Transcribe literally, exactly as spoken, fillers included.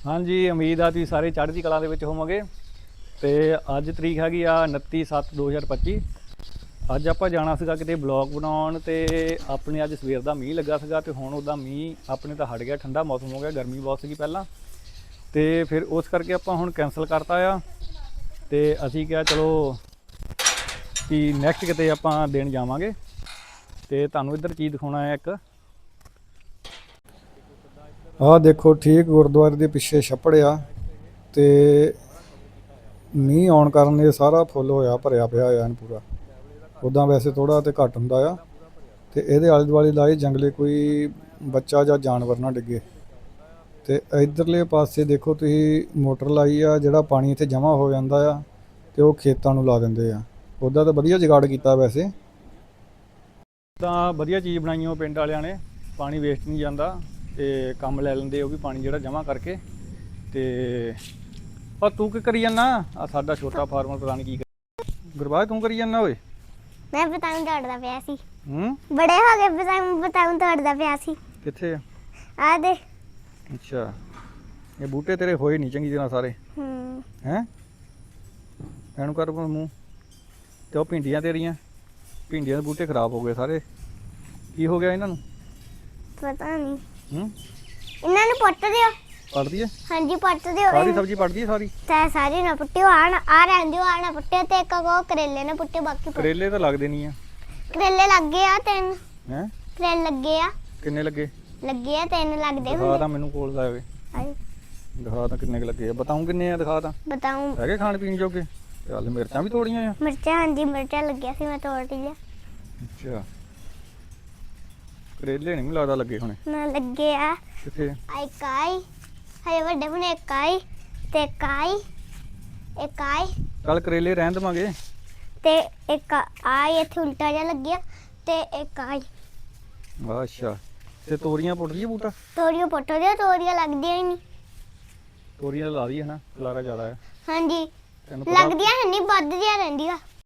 ਹਾਂਜੀ, ਉਮੀਦ ਆ ਤੁਸੀਂ ਸਾਰੇ ਚੜ੍ਹਦੀ ਕਲਾ ਦੇ ਵਿੱਚ ਹੋਵੋਗੇ। ਤੇ ਅੱਜ ਤਰੀਕ ਹੈਗੀ ਆ ਉਨੱਤੀ ਸੱਤ ਦੋ ਹਜ਼ਾਰ ਪੱਚੀ। ਅੱਜ ਆਪਾਂ ਜਾਣਾ ਸੀਗਾ ਕਿਤੇ ਬਲੌਗ ਬਣਾਉਣ ਤੇ ਆਪਣੇ ਅੱਜ ਸਵੇਰ ਦਾ ਮੀਂਹ ਲੱਗਾ ਸੀਗਾ ਤੇ ਹੁਣ ਉਹਦਾ ਮੀਂਹ ਆਪਣੇ ਤਾਂ ਹਟ ਗਿਆ, ਠੰਡਾ ਮੌਸਮ ਹੋ ਗਿਆ। ਗਰਮੀ ਬਹੁਤ ਸੀਗੀ ਪਹਿਲਾਂ ਤੇ ਫਿਰ ਉਸ ਕਰਕੇ ਆਪਾਂ ਹੁਣ ਕੈਂਸਲ ਕਰਤਾ ਆ ਤੇ ਅਸੀਂ ਕਿਹਾ ਚਲੋ ਕਿ ਨੈਕਸਟ ਕਿਤੇ ਆਪਾਂ ਦਿਨ ਜਾਵਾਂਗੇ। ਤੇ ਤੁਹਾਨੂੰ ਇੱਧਰ ਚੀਜ਼ ਦਿਖਾਉਣਾ ਹੈ ਇੱਕ। ਆਹ ਦੇਖੋ, ਠੀਕ ਗੁਰਦੁਆਰੇ ਦੇ ਪਿੱਛੇ ਛੱਪੜ ਆ ਤੇ ਮੀਂਹ ਆਉਣ ਕਾਰਨ ਇਹ ਸਾਰਾ ਫੁੱਲ ਹੋਇਆ, ਭਰਿਆ ਪਿਆ ਆ ਐਨ ਪੂਰਾ। ਉੱਦਾਂ ਵੈਸੇ ਥੋੜ੍ਹਾ ਤੇ ਘੱਟ ਹੁੰਦਾ ਆ ਤੇ ਇਹਦੇ ਆਲੇ ਦੁਆਲੇ ਲਾਏ ਜੰਗਲੇ, ਕੋਈ ਬੱਚਾ ਜਾਂ ਜਾਨਵਰ ਨਾ ਡਿੱਗੇ। ਤੇ ਇਧਰਲੇ ਪਾਸੇ ਦੇਖੋ ਤੁਸੀਂ, ਮੋਟਰ ਲਾਈ ਆ, ਜਿਹੜਾ ਪਾਣੀ ਇੱਥੇ ਜਮ੍ਹਾਂ ਹੋ ਜਾਂਦਾ ਆ ਤੇ ਉਹ ਖੇਤਾਂ ਨੂੰ ਲਾ ਦਿੰਦੇ ਆ। ਉੱਦਾਂ ਤਾਂ ਵਧੀਆ ਜੁਗਾੜ ਕੀਤਾ ਵੈਸੇ। ਤਾਂ ਵਧੀਆ ਚੀਜ਼ ਬਣਾਈ ਉਹ ਪਿੰਡ ਵਾਲਿਆਂ ਨੇ, ਪਾਣੀ ਵੇਸਟ ਨਹੀਂ ਜਾਂਦਾ ਤੇ ਕੰਮ ਲੈ ਲੈਂਦੇ ਉਹ ਵੀ ਪਾਣੀ ਜਿਹੜਾ ਜਮ੍ਹਾਂ ਕਰਕੇ। ਤੇ ਪਰ ਤੂੰ ਕੀ ਕਰੀ ਜਾਂਦਾ? ਆ ਸਾਡਾ ਛੋਟਾ ਫਾਰਮਰ ਪਤਾ ਨਹੀਂ ਕੀ ਕਰ। ਗੁਰਬਾਜ ਤੂੰ ਕਰੀ ਜਾਂਦਾ ਓਏ? ਮੈਂ ਬਤਾਉਂ ਦੌੜਦਾ ਪਿਆ ਸੀ। ਹੂੰ, ਬੜੇ ਹੋ ਗਏ ਬਤਾਉਂ ਬਤਾਉਂ ਦੌੜਦਾ ਪਿਆ ਸੀ। ਕਿੱਥੇ ਆ? ਆ ਦੇ। ਅੱਛਾ, ਇਹ ਬੂਟੇ ਤੇਰੇ ਹੋਏ ਨਹੀਂ ਚੰਗੀ ਤਰ੍ਹਾਂ ਸਾਰੇ ਹੂੰ ਹੈਂ? ਐਨੂੰ ਕਰ ਮੂੰਹ। ਤੇ ਉਹ ਭਿੰਡੀਆਂ ਤੇਰੀਆਂ, ਭਿੰਡੀਆਂ ਦੇ ਬੂਟੇ ਖਰਾਬ ਹੋ ਗਏ ਸਾਰੇ। ਕੀ ਹੋ ਗਿਆ ਇਹਨਾਂ ਨੂੰ? ਪਤਾ ਨਹੀਂ। ਹੂੰ, ਇਹਨਾਂ ਨੂੰ ਪੁੱਟ ਦਿਓ। ਪੜ ਦਈਏ? ਹਾਂਜੀ ਪੁੱਟ ਦਿਓ। ਸਾਰੀ ਸਬਜ਼ੀ ਪੜ ਦਈਏ ਸਾਰੀ? ਤੇ ਸਾਰੀ ਨਾ ਪੁੱਟਿਓ, ਆ ਨਾ ਆ ਰਹਿਣ ਦਿਓ, ਆ ਨਾ ਪੁੱਟਿਓ ਤੇ ਇੱਕ ਉਹ ਕਰੇਲੇ ਨਾ ਪੁੱਟਿਓ, ਬਾਕੀ ਪੁੱਟ- ਕਰੇਲੇ ਤਾਂ ਲੱਗਦੇ ਨਹੀਂ ਆ। ਕਰੇਲੇ ਲੱਗੇ ਆ ਤਿੰਨ। ਹੈਂ? ਕਰੇਲੇ ਲੱਗੇ ਆ ਕਿੰਨੇ ਲੱਗੇ? ਲੱਗੇ ਆ ਤਿੰਨ ਲੱਗਦੇ ਦਿਖਾ ਹੁੰਦੇ। ਤਾਂ ਮੈਨੂੰ ਕੋਲ ਦਾ ਹੋਵੇ। ਆਏ ਦਿਖਾ ਤਾਂ ਕਿੰਨੇ ਕੁ ਲੱਗੇ ਆ, ਬਤਾਉਂ ਕਿੰਨੇ ਆ, ਦਿਖਾ ਤਾਂ। ਬਤਾਉਂ। ਹੈਗੇ ਖਾਣ ਪੀਣ ਜੋਗੇ? ਚੱਲ ਮਿਰਚਾਂ ਵੀ ਤੋੜੀਆਂ ਆ? ਮਿਰਚਾਂ, ਹਾਂਜੀ ਮਿਰਚਾਂ ਲੱਗਿਆ ਸੀ, ਮੈਂ ਤੋੜ ਲਿਆ। ਅੱਛਾ, ਕਰੇਲੇ ਨਹੀਂ ਲੱਗਦਾ ਲੱਗੇ ਹੋਣੇ। ਨਾ ਲੱਗੇ ਆ। ਕਿੱਥੇ? ਆਈ ਕਾਈ ਹਏ ਵੱਡੇ ਬਣੇ ਕਾਈ ਤੇ ਕਾਈ ਇੱਕ ਆਈ ਚੱਲ ਕਰੇਲੇ ਰਹਿਣ ਦੇਵਾਂਗੇ। ਤੇ ਇੱਕ ਆਈ ਇੱਥੇ ਉਲਟਾ ਜਿਹਾ ਲੱਗਿਆ ਤੇ ਇੱਕ ਆਈ। ਅੱਛਾ, ਤੇ ਤੋਰੀਆਂ ਪੁੱਟ ਦਈਏ ਬੂਟਾ? ਤੋਰੀਆਂ ਪੁੱਟ ਦਿਓ, ਤੋਰੀਆਂ ਲੱਗਦੀਆਂ ਹੀ ਨਹੀਂ। ਤੋਰੀਆਂ ਲਾ ਦਈਏ ਹਨਾ, ਖਲਾਰਾ ਜ਼ਿਆਦਾ ਹੈ। ਹਾਂਜੀ ਤੈਨੂੰ ਪਤਾ ਲੱਗਦੀਆਂ ਹੈ ਨਹੀਂ, ਵੱਧਦੀਆਂ ਰਹਿੰਦੀਆਂ।